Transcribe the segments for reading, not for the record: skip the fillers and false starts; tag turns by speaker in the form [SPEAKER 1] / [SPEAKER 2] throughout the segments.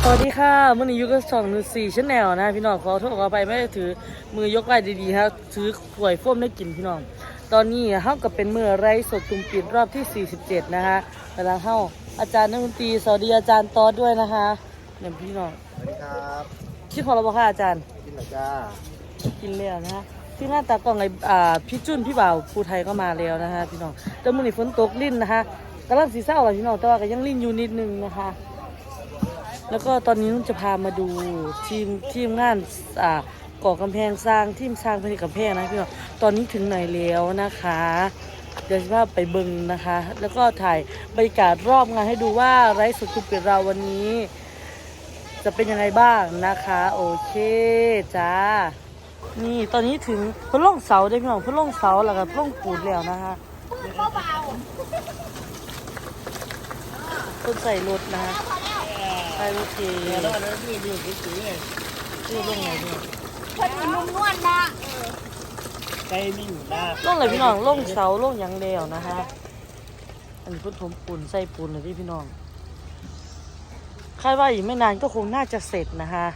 [SPEAKER 1] วัสดีค่ะมื่อนี้อยู่กับ214ชั้นแนวนะพี่น้องขอโทษขอไปไม่ได้ถือมือยกไหล่ดีๆครับถือขวดโฟมได้กินพี่น้องตอนนี้เฮากับเป็นมือไร้สดตุ่มปิดรอบที่47นะคะกำลังเฮาอาจารย์นักดนตรีสวัสดีอาจารย์ตอดด้วยนะคะเนี่ยพี่น้อง
[SPEAKER 2] สวัสดีครับ
[SPEAKER 1] ชื่อของเราบอกค่ะอาจารย์
[SPEAKER 2] กินหรอจ้า
[SPEAKER 1] กินแล้วนะคะที่หน้าตากล้องไอ้พี่จุ้นพี่บ่าวภูไทยก็มาแล้วนะคะพี่น้องแต่มื่อนี้ฝนตกลิ่นนะคะกำลังสีเศร้าเลยพี่น้องแต่ว่าก็ยังลิ่นอยู่นิดนึงนะคะแล้วก็ตอนนี้นุ่นจะพามาดูทีมงานก่อกำแพงสร้างทีมสร้างผลิตกำแพงนะพี่น้องตอนนี้ถึงไหนแล้วนะคะเดี๋ยวจะพาไปเบิ่งนะคะแล้วก็ถ่ายบรรยากาศรอบงานให้ดูว่าไร้สดทุกเปิดเราวันนี้จะเป็นยังไงบ้างนะคะโอเคจ้านี่ตอนนี้ถึงพื้นล่องเสาได้พี่น้องพื้นล่องเสาแล้วก็พื้นล่องปูนแล้วนะคะต้นใส่รถนะคะใส่รถเก๋แล้วอันนั้นมีดูสีไงชื่อเรื่องไงพี่
[SPEAKER 3] เพิ่นนุ่มนวลนะ
[SPEAKER 2] ใจนิ่งนะ
[SPEAKER 1] ล่องเลยพี่น้องล่องเสาล่องยังเดียวนะคะอันนี้พื้นถมปูนใส่ปูนเลยพี่น้องคาดว่าอีกไม่นานก็คงน่าจะเสร็จนะคะ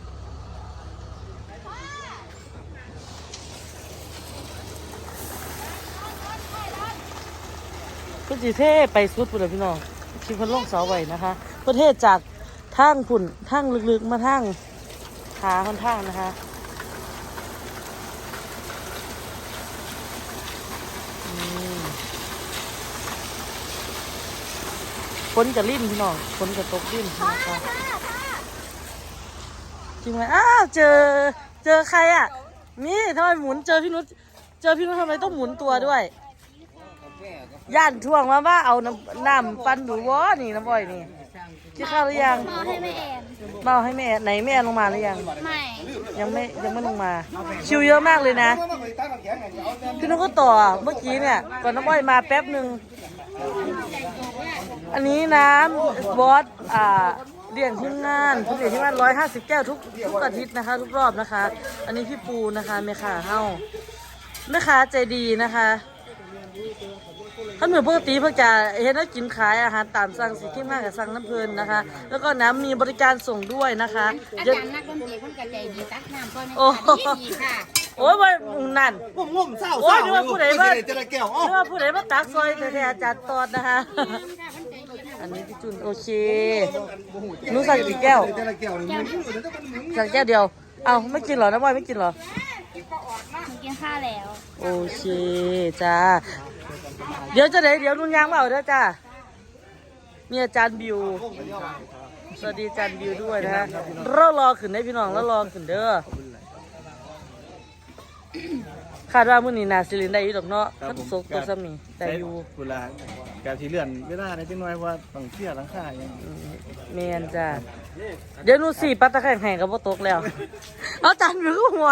[SPEAKER 1] พื้นที่เท่ไปสุดปุ่นเลยพี่น้องคิดเพิ่นล่องเสาไว้นะคะประเทศจากทางปุ่นทางลึกๆมาทางขาค่อนข้างนะคะฝนจะลิ่นพี่น้องฝนจะตกลิ่นนะคะจริงไหมอ้าวเจอใครอ่ะนี่ทำไมหมุนเจอพี่นุชทำไมต้องหมุนตัวด้วยย่านท่วงว่าเอาน้ำปันดูวะนี่น้ำบ่อยนี่กินข้าวหรือยัง
[SPEAKER 3] มาให้แม่แอน
[SPEAKER 1] เมาให้แม่ไหนแม่ลงมาหรือยัง
[SPEAKER 3] ไม่
[SPEAKER 1] ยังไม่ลงมาคิวเยอะมากเลยนะพี่นุชก็ต่อเมื่อกี้เนี่ยก่อนน้ำบ่อยมาแป๊บหนึ่งอันนี้น้ำบอสเลี้ยงทีมงานทุกเดือนที่ว่า150 แก้วทุกอาทิตย์นะคะทุกรอบนะคะอันนี้พี่ปูนะคะแม่ค้าเฮ้าแม่ค้าใจดีนะคะถ้าเหมือนปกติเพื่อจะเห็นว่ากินขายอาหารตามสั่งสิทีมงานกับสั่งน้ำเพลินนะคะแล้วก็น้ำมีบริการส่งด้วยนะคะ
[SPEAKER 3] อาจารย์นักดนตรีคนกับใจดีตักน้ำก็ในดีค่ะ
[SPEAKER 1] โอ้ยว่านั่น
[SPEAKER 2] งมเศร้า
[SPEAKER 1] โอ้ยนึกว่าผู้ใดว่า
[SPEAKER 2] จะแก้ว
[SPEAKER 1] นึกว่าผู้ใดว่าตักซอยแต่อาจารย์ตอดนะคะอันนี้พี่จุนโอเคนู้สั่งกี่แก้วสั่งแก้วเดียวเอ้าไม่กินเหรอน้ำบอยไม่กินเหรอ
[SPEAKER 3] กินข้าวแล้ว
[SPEAKER 1] โอเคจ้าเดี๋ยวนุ่นยางมาเอาเด้อจ้ามีอาจารย์บิวสวัสดีอาจารย์บิวด้วยนะฮะรอขึ้นได้พี่น้องรอขึ้นเด้อคาดว่ามื้อนี้น่าสิเล่นได้อยู่ดอกเนาะคันสกตัวซ้ำนี่ได้อยู่
[SPEAKER 2] เวลาการที่เลื่อนเวลาในจังน้อยว่าต้องเสียหลังคาอย่าง
[SPEAKER 1] แม่นจ้าเดี๋ยวหนูสิปัตตะแคงแห้งก็บ่ตกแล้วเอาจานบิวหัว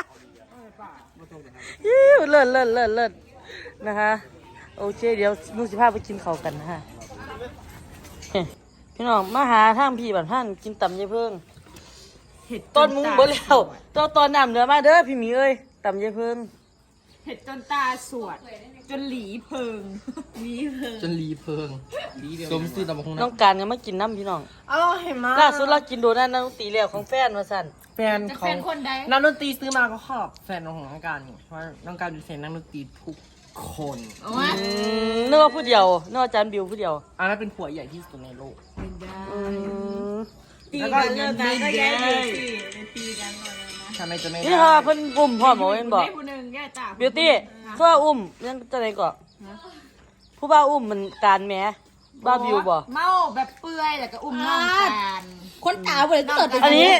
[SPEAKER 1] เลิศนะคะโอเคเดี๋ยวนูสิพาไปกินข้าวกันนะฮะพี่น้องมาหาทางพี่บ้านท่านกินตำยายเพิ่งตอนมุ้งเบิ่แล้วตอนน้ำเดือมาเด้อพี่หมีเอ้ยตำยายเพิ่ง
[SPEAKER 4] เห็ดจนตาสวดจนหลีเพิง
[SPEAKER 5] จนรีเพิงสมซื้อตำบักหุ่ง
[SPEAKER 1] น้องการก็มากินน้ำพี่น้อง
[SPEAKER 4] เห็นมั้ย
[SPEAKER 1] ล่าสุดเรากินโดนัทนักดนตรีแล้วของแฟนมาสั่น
[SPEAKER 5] แฟนของนักดนตรีซื้อมาก็ชอบแฟนของน้องการเพราะน้องการเป็นแฟนนักดนตรีทุกคน
[SPEAKER 1] นึกว่าผู้เดียวนึกว่าอาจารย์บิวผู้เดียว
[SPEAKER 5] อันนั้นเป็นผัวใหญ่ที่สุดในโลก
[SPEAKER 4] ตีกันเลิกกันก็แย่ตีกันหมดเลยนะ
[SPEAKER 5] ทำไมจะไม่
[SPEAKER 1] นี่ค่ะเพิ่นอุ้มพ่อหมอเอ็นบอกบิวตี้เพื่ออุ้มยังจะไหนก่อนผู้บ้าอุ้มมันการแม้บ้าบิวบอก
[SPEAKER 4] เมาแบบเปื่อยแล้วก็อุ้มน้องกัน
[SPEAKER 3] คนตาบ่ได้เกิด
[SPEAKER 1] อันนี้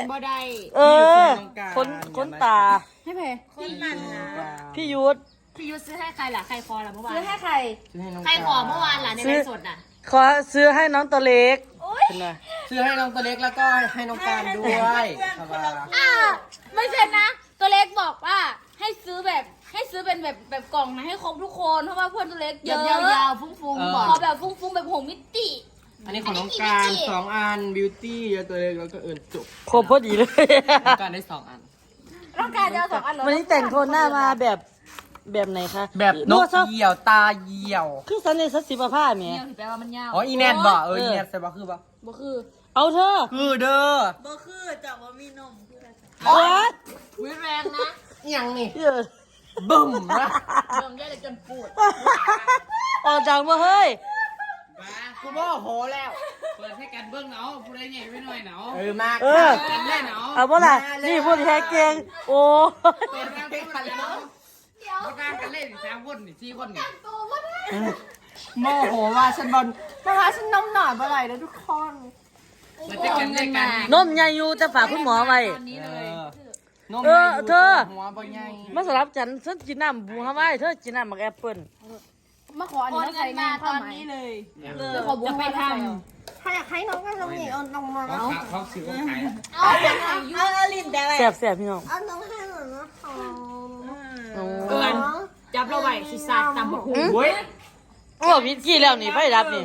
[SPEAKER 1] คนตา
[SPEAKER 4] ให้เพคนนั่นนะ
[SPEAKER 1] พี่ยุทธ
[SPEAKER 4] ซื้อให้ใครล่ะใครคอล่ะเมื่อวานซื้อให้
[SPEAKER 3] ใคร
[SPEAKER 4] ใครขอเมื่อวานล่ะในไลฟ์สดน่ะ
[SPEAKER 1] ขอซื้อให้น้องตัวเล็ก
[SPEAKER 5] ซื้อให้น้องตัวเล็กแล้วก็ให้น้องการด้วย
[SPEAKER 3] ไม่ใช่นะตัวเล็กบอกว่าให้ซื้อเป็นแบบกล่องนะให้ครบทุกคนเพราะว่าเพื่อนตัวเล็กเยอะ
[SPEAKER 4] ยาวๆฟุ้งๆบอก
[SPEAKER 3] ขอแบบฟุ้งๆแบบ6 มิติ
[SPEAKER 5] อันนี้ของน้องการ2 อันบิวตี้ตัวเล็กแล้วก็จบ
[SPEAKER 1] ครบพอดีเลย
[SPEAKER 5] น้องการได้2 อัน
[SPEAKER 3] น้องการจะเอา2 อัน
[SPEAKER 1] วันนี้แต่งโทนหน้ามาแบบไหนคะ
[SPEAKER 5] แบบนกเหยี่ยวตาเหยี่ยว
[SPEAKER 1] คือสันในสัตว์สีผ้าแม่
[SPEAKER 3] แปลว่ามันยาว
[SPEAKER 5] อ๋ออีแนทบ่อีแนทใส่บ่คือบ่
[SPEAKER 3] คือ
[SPEAKER 1] เอาเธอ
[SPEAKER 5] คือเด้อ
[SPEAKER 3] บ่คือแต่ว่ามีนมคืออะไร
[SPEAKER 1] โอ๊ย
[SPEAKER 3] วิแรงนะ
[SPEAKER 5] อิหยังนี่
[SPEAKER 1] เหี้ย
[SPEAKER 5] บึ้มนะ
[SPEAKER 3] เบิ่งได้เลยจนปวด
[SPEAKER 1] ออกจากมาเฮ้ย
[SPEAKER 5] กูโมโหแล้ว
[SPEAKER 6] เปิดให้กันเบิ้งเนาะผู้ใดใหญ่ไม่น้อยเนาะ
[SPEAKER 5] มาก
[SPEAKER 1] เออ
[SPEAKER 6] กันได้เนาะ
[SPEAKER 1] เอาเมื่อไหร่นี่พูดแท้เก่งโอ้
[SPEAKER 6] เปิดร่างกันเนาะเอาร่างกันเล่น3 คนนี่4 คนนี่
[SPEAKER 5] โมโหว่าฉันบอลนะคะฉันนมหน่อยเมื่อไหร่แล้วทุกคน
[SPEAKER 6] เปิดให้กันได้กัน
[SPEAKER 1] นมใหญ่อยู่จะฝากคุณหมอไว้
[SPEAKER 5] นม
[SPEAKER 1] เออเธอ
[SPEAKER 5] หัวบ่ใหญ่
[SPEAKER 1] มาสลับฉันกินน้ำบูฮาวายเธอกินน้ำหมักแอปเปิ้ล
[SPEAKER 3] มาขออันนี้มาใส่งานตอนนี้เลยจะขอบุญไปท
[SPEAKER 5] ถ้าอยากให้น้องก็น้องนี่เอาน้องมา
[SPEAKER 6] เขาซื้อเขาขาย
[SPEAKER 3] ำเอาอย่างไรเอาลิ้นแต่อะไร
[SPEAKER 1] แสบพี่น้อง
[SPEAKER 5] เอาน้องให้หน่อยนะคะ
[SPEAKER 4] เอินจับเราไว้สิสาดตำบักหุ่ง
[SPEAKER 5] เว้ย
[SPEAKER 1] โอ้พิษกี้แล้วนี่ไฟดับนี่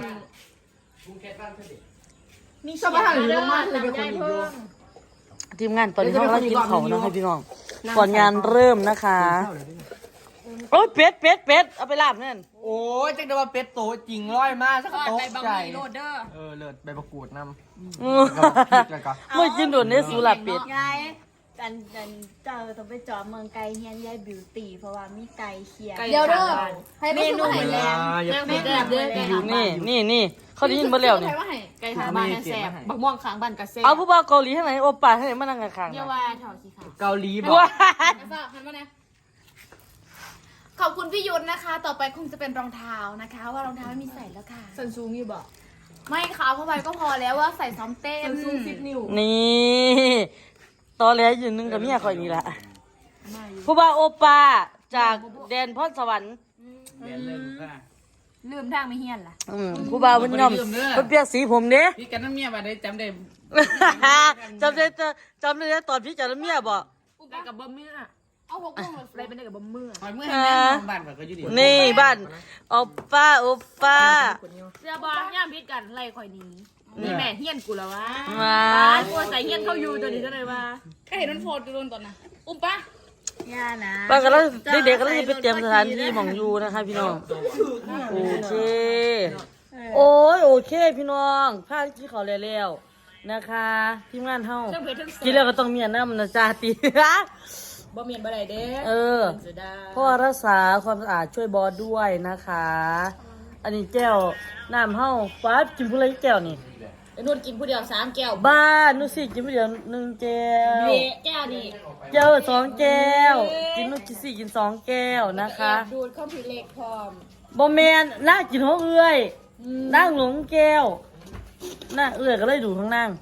[SPEAKER 5] ชอบอาหารหรือมากเลยเป็นคนอีกด้วย
[SPEAKER 1] ทีมงานตอนนี้เขากำลังกินเขานะคะพี่น้องก่อนงานเริ่มนะคะโอ้ยเป็ดเอาไปลาบนั่น
[SPEAKER 5] โอ้ยจังได้ว่าเป็ดโตจริงร้อยมากสัก
[SPEAKER 4] ทอด
[SPEAKER 5] โต๊ะ
[SPEAKER 4] ใบ
[SPEAKER 5] ใจ
[SPEAKER 4] บะหมี่โรดเดอร์
[SPEAKER 5] เลิศใบมะกรูดนำ
[SPEAKER 1] อือ
[SPEAKER 5] แล้วก็
[SPEAKER 1] ไม่กินโดนเนื้อสูหลับเป็ด
[SPEAKER 7] ยายอันเจ้าต้องไปจอดเมืองไกลเฮียนยายบิวตี้เพราะว่ามีไก่เคียง
[SPEAKER 3] เดี๋ยวเด้อให้เมนูให้
[SPEAKER 5] เว
[SPEAKER 3] แร
[SPEAKER 5] ลาง อย่า
[SPEAKER 4] แม่แบบเด้อ
[SPEAKER 1] นี่เขาได้ยินหมดแล้วนี่
[SPEAKER 3] ให้ว่าให้
[SPEAKER 4] ไก่ทางบ้านแซ่บบักม่วงขางบ้านกระเซ่
[SPEAKER 1] เอาผู้บ่าวเกาหลีให้ไหนโอป้าให้ไหนมานั่งข้างๆ
[SPEAKER 3] เดี๋ยว
[SPEAKER 1] นะ
[SPEAKER 3] ว่าเถาสิค่ะ
[SPEAKER 5] เกาหลีบอก
[SPEAKER 1] ว้า
[SPEAKER 3] ให้ฝากหันมาเนี่ยขอบคุณพี่ยุทธนะคะ ต่อไปคงจะเป็นรองเท้านะคะ ว่ารองเท้าไม่มีใส่แล้วค่ะ
[SPEAKER 4] สันซูงอยู่บ่
[SPEAKER 3] ไม่ค่ะเอาเข้าไปก็พอแล้วว่าใส่ซ้อมเต้น
[SPEAKER 4] สันซูง10 นิ้ว
[SPEAKER 1] นี่ตอนแรกอยู่นึงกับเมียคอยนี่แหละผู้บ่าวโอป้าจากแดนพรสวรรค์
[SPEAKER 6] เรียนเริ่มค่ะ
[SPEAKER 3] ลืมทางไม่เฮียนล่ะ
[SPEAKER 1] ผู้บ่าวเพิ่นย่อมเพิ่นเปียกสีผมเด้
[SPEAKER 6] พี่กันน้ำเมียมาได้จำได้
[SPEAKER 1] จำได้ตอนพี่จัดเมียบอก
[SPEAKER 4] ได้กับบะเมื่อ
[SPEAKER 3] เอาหกโมงเลย
[SPEAKER 4] อะไรเป็นได้กับบะเมื่อ
[SPEAKER 6] คอยเมื่อให้แม่บ้านก็อยู่ดี
[SPEAKER 1] นี่บ้านโอป้า
[SPEAKER 4] เสื้อบอย่ามพิษกันไล่ข่อยนี้นี่แม่เฮียนกูแล้ววะ
[SPEAKER 1] มา
[SPEAKER 4] บ้านกูใส่เฮียนเข้าอยู่ตัวนี้เท่าไหร่วะ
[SPEAKER 3] ใครเห็นมันโพสต์โดนตอนน่ะอุ้มปะ
[SPEAKER 7] ย่านะ
[SPEAKER 1] ป้าก็แล้วเด็กๆก็เลยไปเตรียมสถานที่หมองอยู่นะคะพี่น้องโอเคโอ้ยโอเคพี่น้องพากินข้าวแล้วนะคะทีมงานเฮา
[SPEAKER 4] เครื่องเพชรทั้ง
[SPEAKER 1] กินแล้วก็ต้องเมียน้ำนะจ๊ะตี
[SPEAKER 4] บะเมียนบะไดเด้
[SPEAKER 1] เออ
[SPEAKER 4] เสียดาย
[SPEAKER 1] เพราะว่ารักษาความสะอาดช่วยบอสด้วยนะคะ อันนี้แก้วน้ำเฮาฟ้ากินผู้ไรแก้วนี่
[SPEAKER 4] ไอ้นุ่นกินผู้เดียว3 แก้ว
[SPEAKER 1] บ้านนุสิกินผู้เดียว1แก้ว
[SPEAKER 4] เละแก้วนี่
[SPEAKER 1] แก้ว2แก้ว กินนุกินสี่กิน2แก้วนะคะ
[SPEAKER 4] ดูดข้าวผิดเล็กพร้อม
[SPEAKER 1] บอแมนน่ากินหัวเอื้อยนั่งหลงแก้วน่าเอื้อยก็เลยดูข้างนั่ง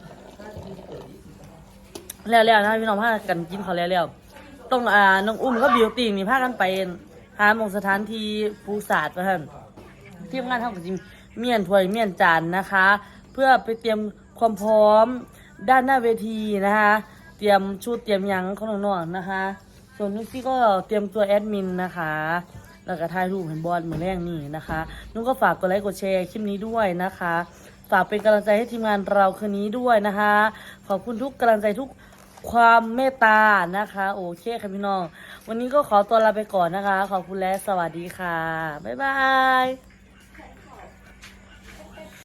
[SPEAKER 1] แล้วนะพี่น้องพากันกินเขาวแล้วต้องน้องอุ้มก็บิวตี้นี่พากันไปหาหมองสถานที่ปูศาสตร์มาท่านทีมงานเท่ากับจิมเมียนถ้วยเมียนจานนะคะ เพื่อไปเตรียมความพร้อมด้านหน้าเวทีนะคะ เตรียมชุดเตรียมหยังของน้องๆนะคะ ส่วนนุ๊กซี่ก็เตรียมตัวแอดมินนะคะ แล้วก็ถ่ายรูปเห็นบอลเหมือนแรกนี่นะคะนุ๊กก็ฝากกดไลค์กดแชร์คลิปนี้ด้วยนะคะ ฝากเป็นกำลังใจให้ทีมงานเราคืนนี้ด้วยนะคะ ขอบคุณทุกกำลังใจทุกความเมตตานะคะ โอเคค่ะพี่น้อง วันนี้ก็ขอตัวลาไปก่อนนะคะ ขอบคุณและสวัสดีค่ะ บ๊ายบาย